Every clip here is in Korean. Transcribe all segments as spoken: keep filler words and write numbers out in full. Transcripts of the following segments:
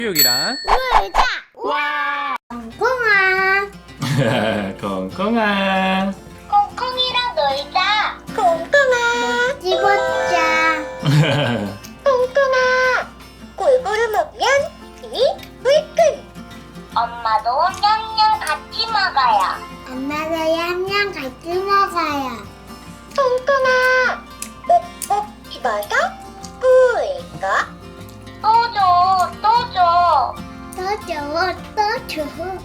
교육이랑 놀자. 와 콩콩아. 콩콩아 콩콩이랑 놀자. 콩콩아. 집었자. 콩콩아. 골고루 먹면 힘이 불끈. 엄마도 냠냠 같이 먹어요. 엄마도 냠냠 같이 먹어요. 콩콩아. 꼭꼭 집어서 꿀꺽. 또 줘, 또 줘. 또 줘, 또 줘.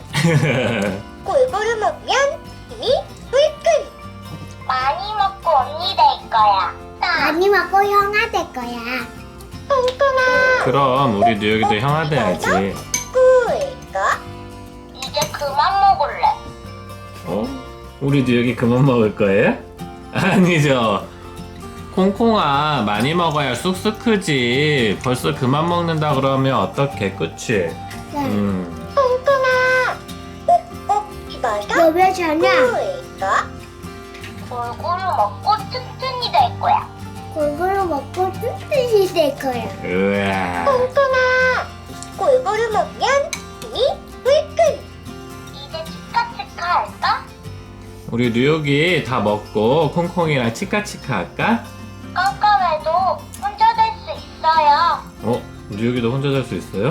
골고루 먹으면 힘이 불끈. 많이 먹고 언니 될 거야. 많이 먹고 형아 될 거야. 콩콩아. 그럼 우리 뉴욕이도 형아 돼야지. 꿀꺽. 이제 그만 먹을래. 어? 우리 뉴욕이 그만 먹을 거예요? 아니죠. 콩콩아 많이 먹어야 쑥쑥 크지. 벌써 그만 먹는다 그러면 어떡해, 그치? 음. 콩콩아. 꼭꼭 집어서 너왜 자냐? 꿀꺽. 골고루 먹고 튼튼이 될 거야. 골고루 먹고 튼튼이 될 거야. 우와. 콩콩아. 골고루 먹으면 힘이 불끈. 이제 치카치카 할까? 우리 뉴욕이 다 먹고 콩콩이랑 치카치카 할까? 깜깜해도 혼자 될 수 있어요. 어? 뉴욕이도 혼자 잘 수 있어요?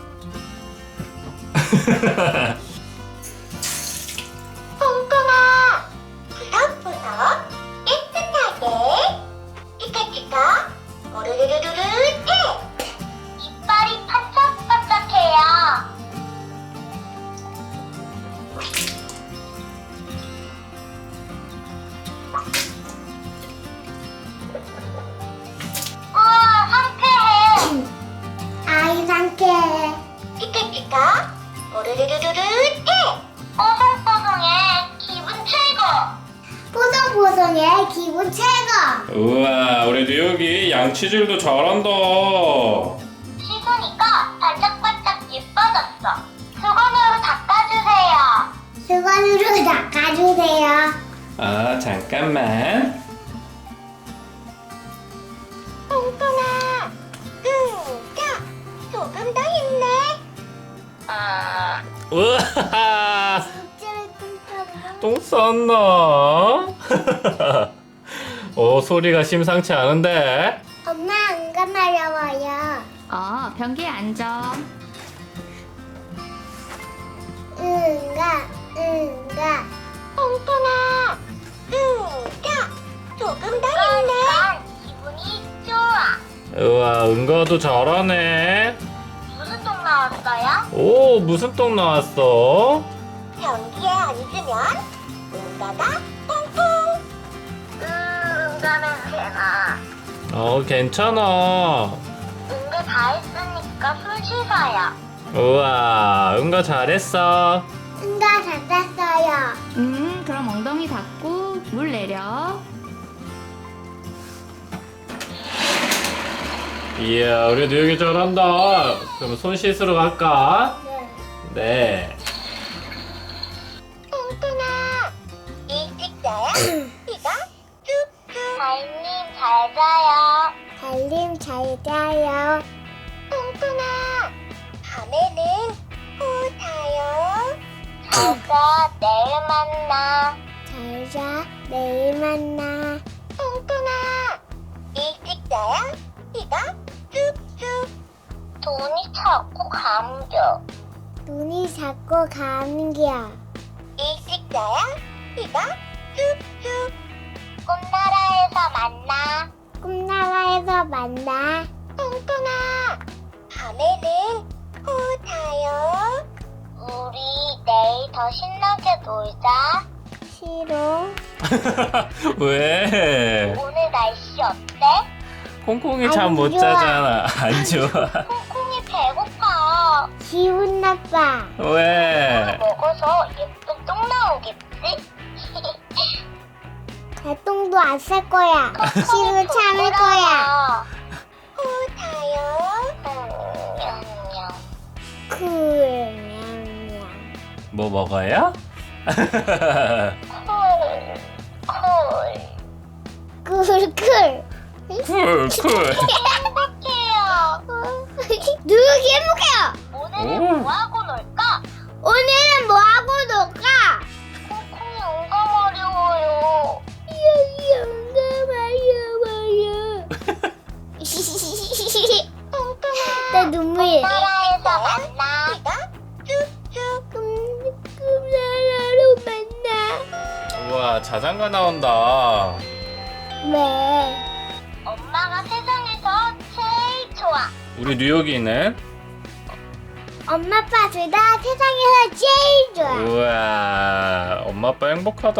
콩콩아. 부석부석 깨끗하게 치카치카 오르르르르르 해. 이빨이 반짝반짝해요. 우와, 상쾌해. 아이 상쾌해. 치카치카 오르르르르르 해. 뽀송뽀송해. 기분 최고. 뽀송뽀송해. 기분 최고. 우와, 우리 뉴욕이 양치질도 잘한다. 씻으니까 반짝반짝 예뻐졌어. 수건으로 닦아주세요. 수건으로 닦아주세요. 아, 잠깐만. 콩콩아. 응, 자, 조금 더 힘내. 아, 우와, 찔끔찔끔. 똥 쌌나? 어, 소리가 심상치 않은데? 엄마 안가 마려워요. 어, 변기에 앉아. 응가, 응가. 콩콩아. 응, 자, 조금 더 힘내. 기분이 좋아. 우와, 은가도 잘하네. 무슨 똥 나왔어요? 오, 무슨 똥 나왔어? 변기에 앉으면 응가가 콩콩. 음, 응가 냄새나. 어, 괜찮아. 응가 다 했으니까 손 씻어요. 우와, 은가 잘했어. 응가 잘했어요. 음, 그럼 엉덩이 닫고 물 내려. 이야, 우리 뉴욕이 잘한다. 그럼 손 씻으러 갈까? 네. 네. 콩콩아. 일찍 자야 피가 뚝뚝. 달님 잘 자요. 달님 잘 자요. 콩콩아. 밤에는 후 자요. 잘자, 내일 만나. 잘자, 내일 만나. 콩콩아. 일찍 자야 피가 뚝뚝. 돈이 자꾸 감겨. 눈이 자꾸 감겨. 일찍 자야 피가 뚝뚝. 꿈나라에서 만나. 꿈나라에서 만나. 콩콩아. 밤에는 후 자요. 우리 내일 더 신나게 놀자. 싫어. 왜? 오늘 날씨 어때? 콩콩이 안 잠 못 좋아. 자잖아. 안 좋아. 콩콩이 배고파. 기분 나빠. 왜? 먹어서 예쁜 똥 나오겠지? 개똥도 안 쌀 거야. 싫어 참을 거야. 후 자요. 쿨냥냥. 뭐 먹어요? 쿨. 쿨 쿨. 쿨, 쿨. 행복해요. 누르기 해볼게요. 오. 오늘은 뭐하고 놀까? 오늘은 뭐하고 놀까? 콩콩이 영감 어려워요. 영감 어려워요. 나 눈물이. 나라에서 만나. 쭉쭉 꿈나라로 만나. 우와, 자장가 나온다. 네. 엄마가 세상에서 제일 좋아. 우리 뉴욕이는? 엄마 아빠 둘 다 세상에서 제일 좋아. 우와, 엄마 아빠 행복하다.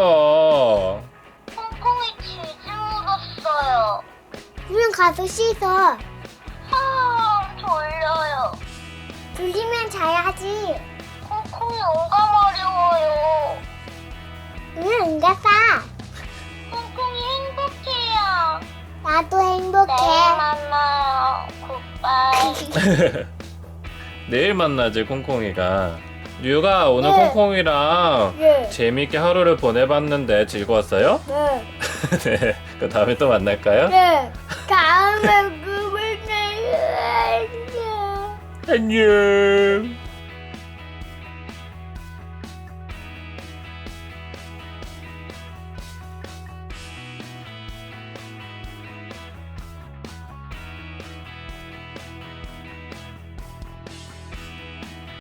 콩콩이 치즈 묻었어요. 그냥 가서 씻어. 아, 졸려요. 졸리면 자야지. 콩콩이 영감 어려워요. 응, 응가싸. 콩콩이 행복해요. 나도 행복해. 내일 만나요. 굿바이. 내일 만나지, 콩콩이가. 뉴욕아, 오늘 네. 콩콩이랑 네. 재미있게 하루를 보내봤는데 즐거웠어요? 네. 네. 그 다음에 또 만날까요? 네. 다음에 그걸 내요. 안녕.